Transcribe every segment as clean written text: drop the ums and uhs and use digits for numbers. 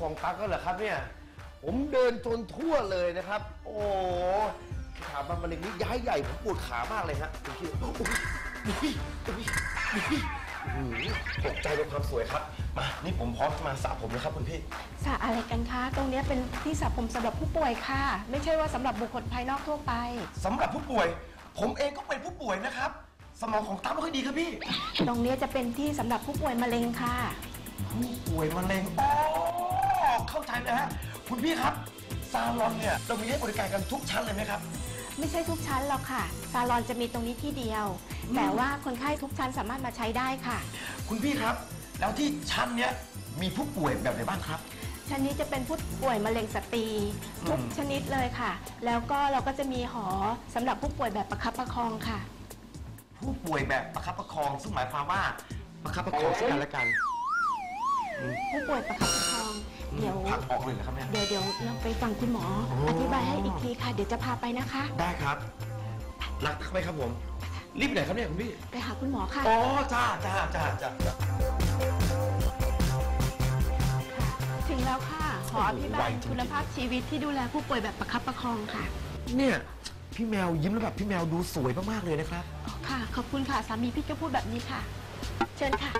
ของตั๊กก็เหรอครับเนี่ยผมเดินจนทั่วเลยนะครับโอ้ถามมะเร็งนี้ย้ายใหญ่ผมปวดขามากเลยฮะคุณคิดตกใจในความสวยครับมานี่ผมพร้อมจะมาสระผมแล้วครับคุณพี่สระอะไรกันคะตรงนี้เป็นที่สระผมสำหรับผู้ป่วยค่ะไม่ใช่ว่าสำหรับบุคคลภายนอกทั่วไปสำหรับผู้ป่วยผมเองก็เป็นผู้ป่วยนะครับสมองของตั๊กไม่ค่อยดีครับพี่ตรงนี้จะเป็นที่สำหรับผู้ป่วยมะเร็งค่ะผู้ป่วยมะเร็งอ๋อเข้าใจเลยฮะคุณพี่ครับซาลอนเนี่ยเรามีให้บริการกันทุกชั้นเลยไหมครับไม่ใช่ทุกชั้นหรอกค่ะซาลอนจะมีตรงนี้ที่เดียวแต่ว่าคนไข้ทุกชั้นสามารถมาใช้ได้ค่ะคุณพี่ครับแล้วที่ชั้นเนี้ยมีผู้ป่วยแบบไหนบ้างครับชั้นนี้จะเป็นผู้ป่วยมะเร็งสตรีทุกชนิดเลยค่ะแล้วก็เราก็จะมีหอสำหรับผู้ป่วยแบบประคับประคองค่ะผู้ป่วยแบบประคับประคองซึ่งหมายความว่าประคับประคองซึ่งกันและกันผู้ป่วยประคับประคองเดี๋ยวพักออกเลยเหรอครับเนี่ยเดี๋ยวเราไปฟังคุณหมออธิบายให้อีกทีค่ะเดี๋ยวจะพาไปนะคะได้ครับรักไหมครับผมรีบไหนครับเนี่ยคุณพี่ไปหาคุณหมอค่ะอ๋อจ้าถึงแล้วค่ะหออภิบาลคุณภาพชีวิตที่ดูแลผู้ป่วยแบบประคับประคองค่ะเนี่ยพี่แมวยิ้มแล้วแบบพี่แมวดูสวยมากๆเลยนะครับค่ะขอบคุณค่ะสามีพี่ก็พูดแบบนี้ค่ะเชิญค่ะ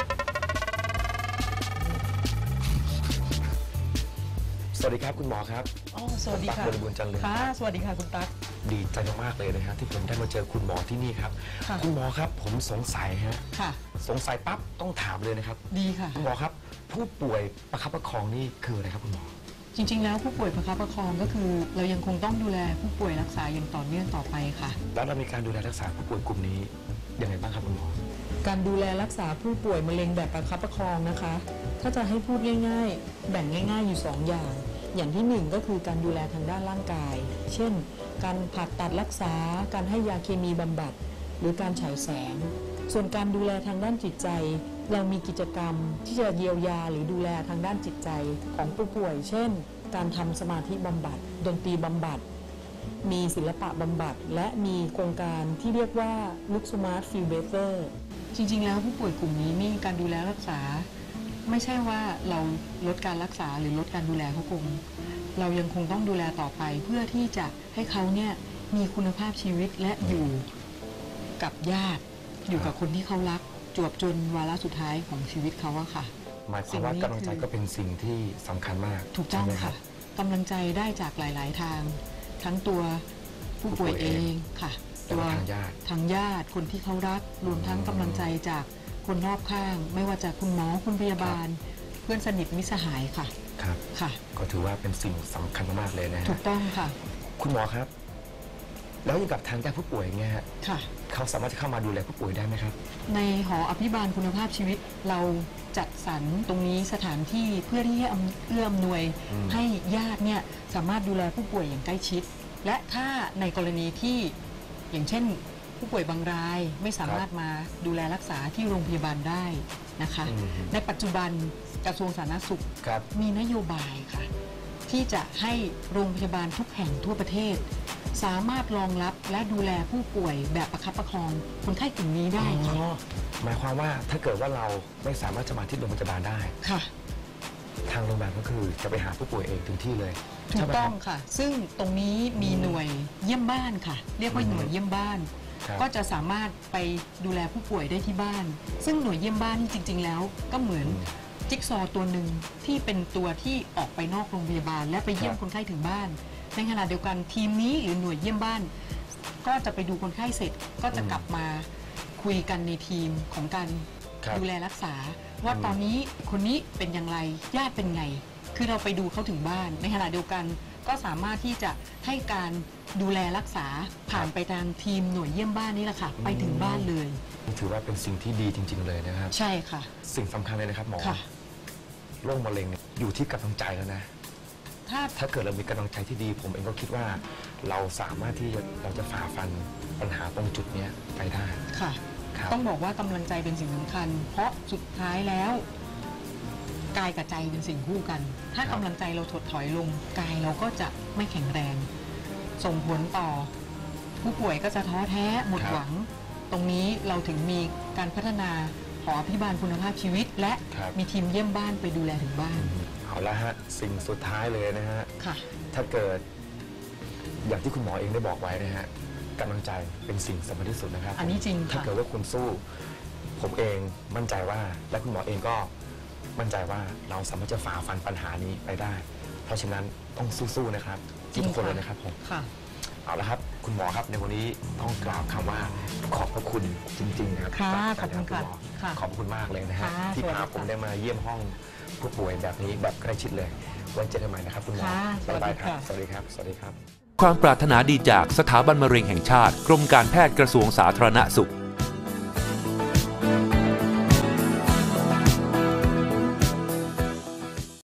สวัสดีครับคุณหมอครับอ๋อสวัสดีค่ะบริบูรณ์จังเลยค่ะสวัสดีค่ะคุณตั๊กดีใจมากๆเลยนะฮะที่ผมได้มาเจอคุณหมอที่นี่ครับคุณหมอครับผมสงสัยฮะค่ะสงสัยปั๊บต้องถามเลยนะครับดีค่ะคุณหมอครับผู้ป่วยประคับประคองนี่คืออะไรครับคุณหมอจริงๆแล้วผู้ป่วยประคับประคองก็คือเรายังคงต้องดูแลผู้ป่วยรักษาอย่างต่อเนื่องต่อไปค่ะแล้วเรามีการดูแลรักษาผู้ป่วยกลุ่มนี้ยังไงบ้างครับคุณหมอการดูแลรักษาผู้ป่วยมะเร็งแบบประคับประคองนะคะถ้าจะให้พูดง่ายๆแบ่งง่ายๆอยู่2อย่างที่1ก็คือการดูแลทางด้านร่างกายเช่นการผ่าตัดรักษาการให้ยาเคมีบำบัดหรือการฉายแสงส่วนการดูแลทางด้านจิตใจเรามีกิจกรรมที่จะเยียวยาหรือดูแลทางด้านจิตใจของผู้ป่วยเช่นการทำสมาธิบำบัดดนตรีบำบัดมีศิลปะบำบัดและมีโครงการที่เรียกว่า Look Smart Feel Better จริงๆแล้วผู้ป่วยกลุ่มนี้มีการดูแลรักษาไม่ใช่ว่าเราลดการรักษาหรือลดการดูแลเขาคงเรายังคงต้องดูแลต่อไปเพื่อที่จะให้เขาเนี่ยมีคุณภาพชีวิตและอยู่กับญาติอยู่กับคนที่เขารักจวบจนวาระสุดท้ายของชีวิตเขาอะค่ะหมายความว่ากำลังใจก็เป็นสิ่งที่สำคัญมากถูกต้องค่ะกำลังใจได้จากหลายๆทางทั้งตัวผู้ป่วยเองค่ะตัวทางญาติคนที่เขารักรวมทั้งกำลังใจจากคนรอบข้างไม่ว่าจะคุณหมอคุณพยาบาลเพื่อนสนิทมิตรสหายค่ะครับค่ะก็ถือว่าเป็นสิ่งสำคัญมากเลยนะฮะถูกต้องค่ะคุณหมอครับแล้วอย่างกับทางญาติผู้ป่วยเงี้ยค่ะเขาสามารถจะเข้ามาดูแลผู้ป่วยได้ไหมครับในหออภิบาลคุณภาพชีวิตเราจัดสรรตรงนี้สถานที่เพื่อที่จะเอื้ออำนวยให้ญาติเนี่ยสามารถดูแลผู้ป่วยอย่างใกล้ชิดและถ้าในกรณีที่อย่างเช่นผู้ป่วยบางรายไม่สามารถมาดูแลรักษาที่โรงพยาบาลได้นะคะในปัจจุบันกระทรวงสาธารณสุขมีนโยบายค่ะที่จะให้โรงพยาบาลทุกแห่งทั่วประเทศสามารถรองรับและดูแลผู้ป่วยแบบประคับประคองคนไข้กลุ่มนี้ได้ค่ะหมายความว่าถ้าเกิดว่าเราไม่สามารถจะมาที่โรงพยาบาลได้ค่ะทางโรงพยาบาลก็คือจะไปหาผู้ป่วยเองถึงที่เลยถูกต้องค่ะซึ่งตรงนี้มีหน่วยเยี่ยมบ้านค่ะเรียกว่าหน่วยเยี่ยมบ้านก็จะสามารถไปดูแลผู้ป่วยได้ที่บ้านซึ่งหน่วยเยี่ยมบ้านจริงๆแล้วก็เหมือนจิ๊กซอว์ตัวหนึ่งที่เป็นตัวที่ออกไปนอกโรงพยาบาลและไปเยี่ยมคนไข้ถึงบ้านในขณะเดียวกันทีมนี้หรือหน่วยเยี่ยมบ้านก็จะไปดูคนไข้เสร็จก็จะกลับมาคุยกันในทีมของการดูแลรักษาว่าตอนนี้คนนี้เป็นอย่างไรญาติเป็นไงคือเราไปดูเขาถึงบ้านในขณะเดียวกันก็สามารถที่จะให้การดูแลรักษาผ่านไปทางทีมหน่วยเยี่ยมบ้านนี่แหละค่ะไปถึงบ้านเลยถือว่าเป็นสิ่งที่ดีจริงๆเลยนะครับใช่ค่ะสิ่งสำคัญเลยนะครับหมอโรคมะเร็งอยู่ที่กำลังใจแล้วนะถ้าเกิดเรามีกำลังใจที่ดีผมเองก็คิดว่าเราสามารถที่เราจะฝ่าฟันปัญหาตรงจุดนี้ไปได้ค่ะต้องบอกว่ากำลังใจเป็นสิ่งสำคัญเพราะสุดท้ายแล้วกายกับใจเป็นสิ่งคู่กันถ้ากำลังใจเราถดถอยลงกายเราก็จะไม่แข็งแรงส่งผลต่อผู้ป่วยก็จะท้อแท้หมดหวังตรงนี้เราถึงมีการพัฒนาหออภิบาลคุณภาพชีวิตและมีทีมเยี่ยมบ้านไปดูแลถึงบ้านเอาเอาละฮะสิ่งสุดท้ายเลยนะฮะค่ะถ้าเกิดอย่างที่คุณหมอเองได้บอกไว้นะฮะกำลังใจเป็นสิ่งสำคัญที่สุดนะครับอันนี้จริงถ้าค่ะเกิดว่าคุณสู้ ผมเองมั่นใจว่าและคุณหมอเองก็มั่นใจว่าเราสามารถจะฝ่าฟันปัญหานี้ไปได้ เพราะฉะนั้นต้องสู้ๆนะครับทุกคนเลยนะครับผมค่ะเอาละครับคุณหมอครับในวันนี้ต้องกล่าวคำว่าขอบพระคุณจริงๆนะครับค่ะจากใจขอบคุณณหมอค่ะขอบคุณมากเลยนะฮะค่ะที่สวัสดีพาค่ะผมได้มาเยี่ยมห้องผู้ป่วยแบบนี้แบบใกล้ชิดเลยไว้เจอกันใหม่นะครับคุณหมอค่ะสวัสดีบ๊ายบายครับค่ะสวัสดีครับสวัสดีครับความปรารถนาดีจากสถาบันมะเร็งแห่งชาติ กรมการแพทย์กระทรวงสาธารณสุข